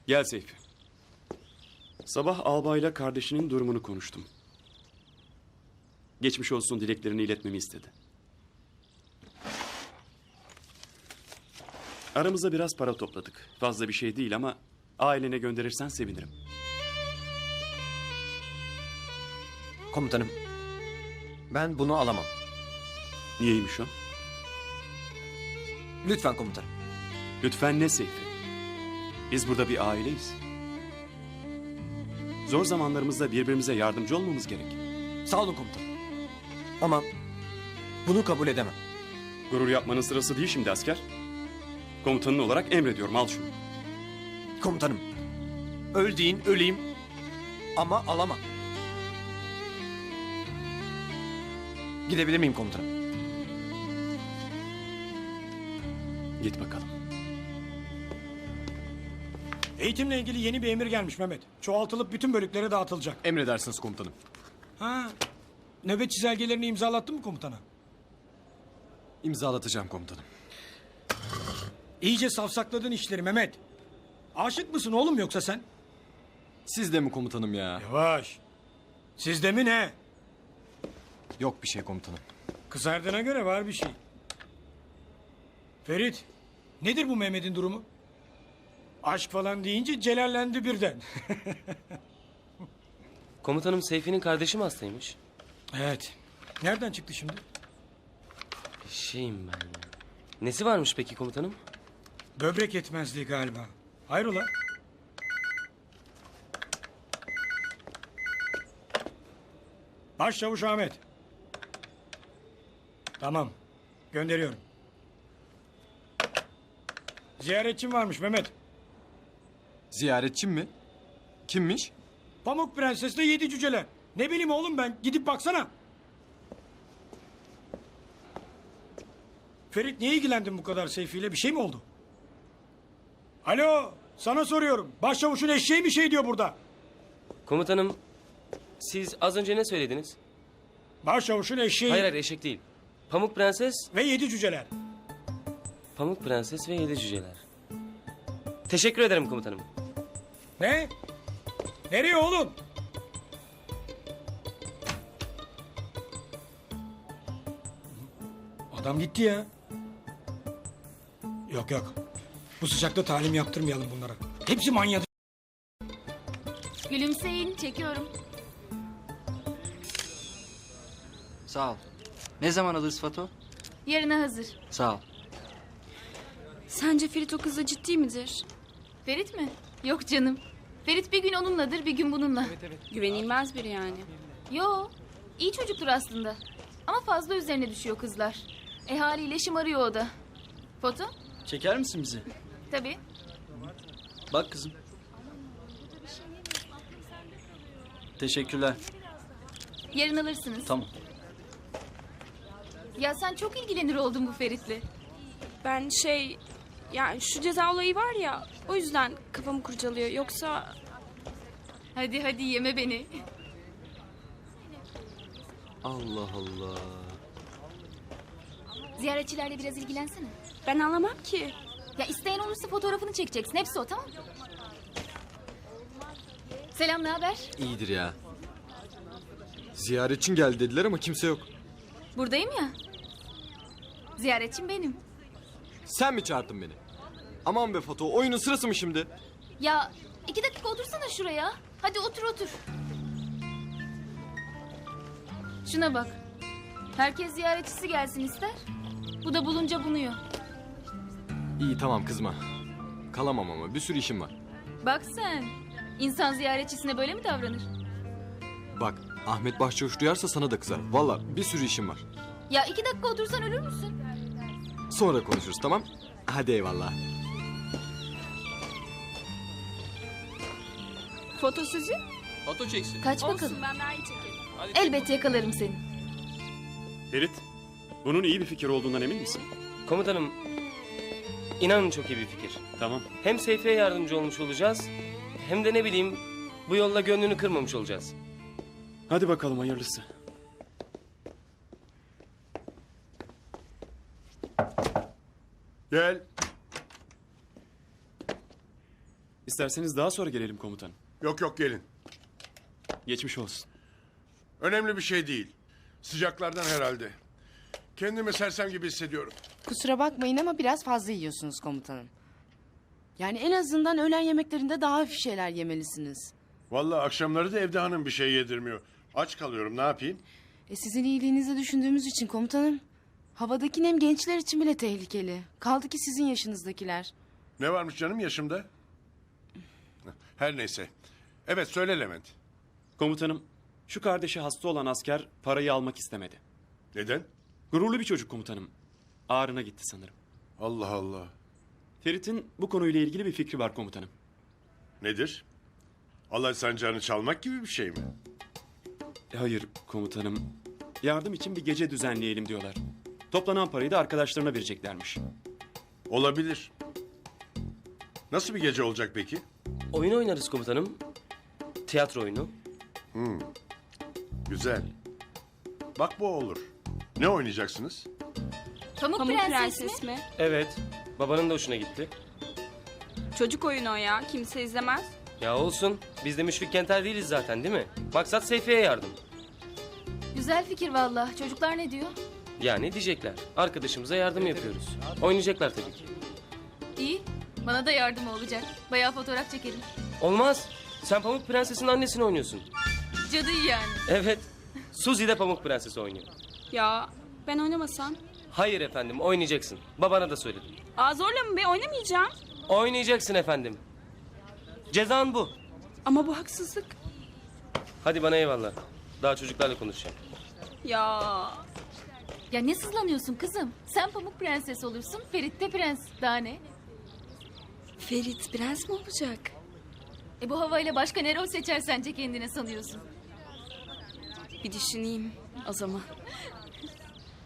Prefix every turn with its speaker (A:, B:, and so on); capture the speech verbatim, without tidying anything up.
A: Gel Seyfi. Sabah albayla kardeşinin durumunu konuştum. Geçmiş olsun dileklerini iletmemi istedi. Aramızda biraz para topladık. Fazla bir şey değil ama ailene gönderirsen sevinirim.
B: Komutanım, ben bunu alamam.
A: Niyeymiş o?
B: Lütfen komutanım.
A: Lütfen ne Seyfi? Biz burada bir aileyiz. Zor zamanlarımızda birbirimize yardımcı olmamız gerek.
B: Sağ olun komutanım. Ama bunu kabul edemem.
A: Gurur yapmanın sırası değil şimdi asker. Komutanın olarak emrediyorum, al şunu.
B: Komutanım, öl deyin öleyim ama alamam. Gidebilir miyim komutanım?
A: Git bakalım.
C: Eğitimle ilgili yeni bir emir gelmiş Mehmet. Çoğaltılıp bütün bölüklere dağıtılacak.
D: Emredersiniz komutanım.
C: Ha, nöbet çizelgelerini imzalattın mı komutana?
D: İmzalatacağım komutanım.
C: İyice safsakladın işleri Mehmet. Aşık mısın oğlum yoksa sen?
D: Siz de mi komutanım ya?
C: Yavaş. Sizde mi ne?
D: Yok bir şey komutanım.
C: Kızardığına göre var bir şey. Ferit, nedir bu Mehmet'in durumu? Aşk falan deyince celallendi birden.
E: Komutanım Seyfi'nin kardeşi mi hastaymış?
C: Evet. Nereden çıktı şimdi?
E: Şeyim ben. Nesi varmış peki komutanım?
C: Böbrek yetmezliği galiba. Hayrola? Başçavuş Ahmet. Tamam. Gönderiyorum. Ziyaretçim varmış Mehmet.
D: Ziyaretçim mi? Kimmiş?
C: Pamuk Prenses'le yedi cüceler. Ne bileyim oğlum ben. Gidip baksana. Ferit niye ilgilendin bu kadar Seyfi ile? Bir şey mi oldu? Alo. Sana soruyorum. Başçavuşun eşeği bir şey diyor burada.
E: Komutanım siz az önce ne söylediniz?
C: Başçavuşun eşeği
E: Hayır hayır eşek değil. Pamuk Prenses,
C: ve yedi cüceler.
E: Pamuk Prenses ve yedi cüceler. Teşekkür ederim komutanım.
C: Ne? Nereye oğlum? Adam gitti ya. Yok yok. Bu sıcakta talim yaptırmayalım bunlara. Hepsi manyadı.
F: Gülümseyin, çekiyorum.
G: Sağ ol. Ne zaman alırız Fato?
F: Yarına hazır.
G: Sağ ol.
H: Sence Ferit o kızla ciddi midir?
F: Ferit mi? Yok canım. Ferit bir gün onunladır, bir gün bununla.
H: Güvenilmez biri yani.
F: Yo, iyi çocuktur aslında. Ama fazla üzerine düşüyor kızlar. E haliyle şımarıyor o da. Foto?
G: Çeker misin bizi?
F: Tabii.
G: Bak kızım. Teşekkürler.
F: Yarın alırsınız.
G: Tamam.
F: Ya sen çok ilgilenir oldun bu Ferit'le.
H: Ben şey... Yani şu ceza olayı var ya... O yüzden kafamı kurcalıyor. Yoksa...
F: Hadi hadi yeme beni.
E: Allah Allah.
F: Ziyaretçilerle biraz ilgilensene.
H: Ben anlamam ki.
F: Ya isteyen olursa fotoğrafını çekeceksin. Hepsi o, tamam mı? Selam, ne haber?
D: İyidir ya. Ziyaretçin geldi dediler ama kimse yok.
F: Buradayım ya. Ziyaretçim benim.
D: Sen mi çağırdın beni? Aman be Fato, oyunun sırası mı şimdi?
F: Ya iki dakika otursana şuraya. Hadi otur otur. Şuna bak. Herkes ziyaretçisi gelsin ister. Bu da bulunca bunuyor.
D: İyi tamam kızma. Kalamam ama bir sürü işim var.
F: Bak sen. İnsan ziyaretçisine böyle mi davranır?
D: Bak Ahmet Başçavuş duyarsa sana da kızar. Valla bir sürü işim var.
F: Ya iki dakika otursan ölür müsün?
D: Sonra konuşuruz tamam? Hadi eyvallah.
H: Foto sizin?
G: Foto çeksin.
F: Kaç bakalım.
H: Olsun, ben daha iyi çekerim.
F: Elbette yakalarım seni.
A: Ferit, bunun iyi bir fikir olduğundan emin misin?
E: Komutanım inanın çok iyi bir fikir.
A: Tamam.
E: Hem Seyfi'ye yardımcı olmuş olacağız. Hem de ne bileyim bu yolla gönlünü kırmamış olacağız.
A: Hadi bakalım hayırlısı. Gel. İsterseniz daha sonra gelelim komutanım.
I: Yok yok gelin.
A: Geçmiş olsun.
I: Önemli bir şey değil. Sıcaklardan herhalde. Kendimi sersem gibi hissediyorum.
J: Kusura bakmayın ama biraz fazla yiyorsunuz komutanım. Yani en azından öğlen yemeklerinde daha hafif şeyler yemelisiniz.
I: Vallahi akşamları da evde hanım bir şey yedirmiyor. Aç kalıyorum, ne yapayım?
J: E sizin iyiliğinizi düşündüğümüz için komutanım. Havadaki nem gençler için bile tehlikeli. Kaldı ki sizin yaşınızdakiler.
I: Ne varmış canım yaşımda? Her neyse. Evet söyle Levent.
A: Komutanım, şu kardeşi hasta olan asker parayı almak istemedi.
I: Neden?
A: Gururlu bir çocuk komutanım. Ağrına gitti sanırım.
I: Allah Allah.
A: Ferit'in bu konuyla ilgili bir fikri var komutanım.
I: Nedir? Alay sancağını çalmak gibi bir şey mi?
A: E, Hayır komutanım. Yardım için bir gece düzenleyelim diyorlar. Toplanan parayı da arkadaşlarına vereceklermiş.
I: Olabilir. Nasıl bir gece olacak peki?
E: Oyun oynarız komutanım. Tiyatro oyunu.
I: Güzel. Bak bu olur. Ne oynayacaksınız?
F: Pamuk,
H: Pamuk
F: Prenses,
H: Prenses
F: mi?
H: mi?
E: Evet. Babanın da hoşuna gitti.
H: Çocuk oyunu o ya. Kimse izlemez.
E: Ya olsun. Biz de Müşfik Kenter değiliz zaten değil mi? Maksat Seyfi'ye yardım.
F: Güzel fikir valla. Çocuklar ne diyor?
E: Yani diyecekler. Arkadaşımıza yardım yapıyoruz. Oynayacaklar tabii ki.
F: İyi. Bana da yardımı olacak. Bayağı fotoğraf çekerim.
E: Olmaz. Sen Pamuk Prenses'in annesini oynuyorsun.
F: Cadıyı yani.
E: Evet. Suzi de Pamuk Prenses'i oynuyor.
H: Ya ben oynamasam?
E: Hayır efendim oynayacaksın. Babana da söyledim.
H: Aa zorla mı be? Oynamayacağım.
E: Oynayacaksın efendim. Cezan bu.
H: Ama bu haksızlık.
E: Hadi bana eyvallah. Daha çocuklarla konuşacağım.
H: Ya
F: Ya ne sızlanıyorsun kızım? Sen Pamuk Prenses olursun, Ferit de prens. Daha ne?
H: Ferit prens mi olacak?
F: E bu havayla başka ne rol seçer sence kendine sanıyorsun?
H: Bir düşüneyim o zaman.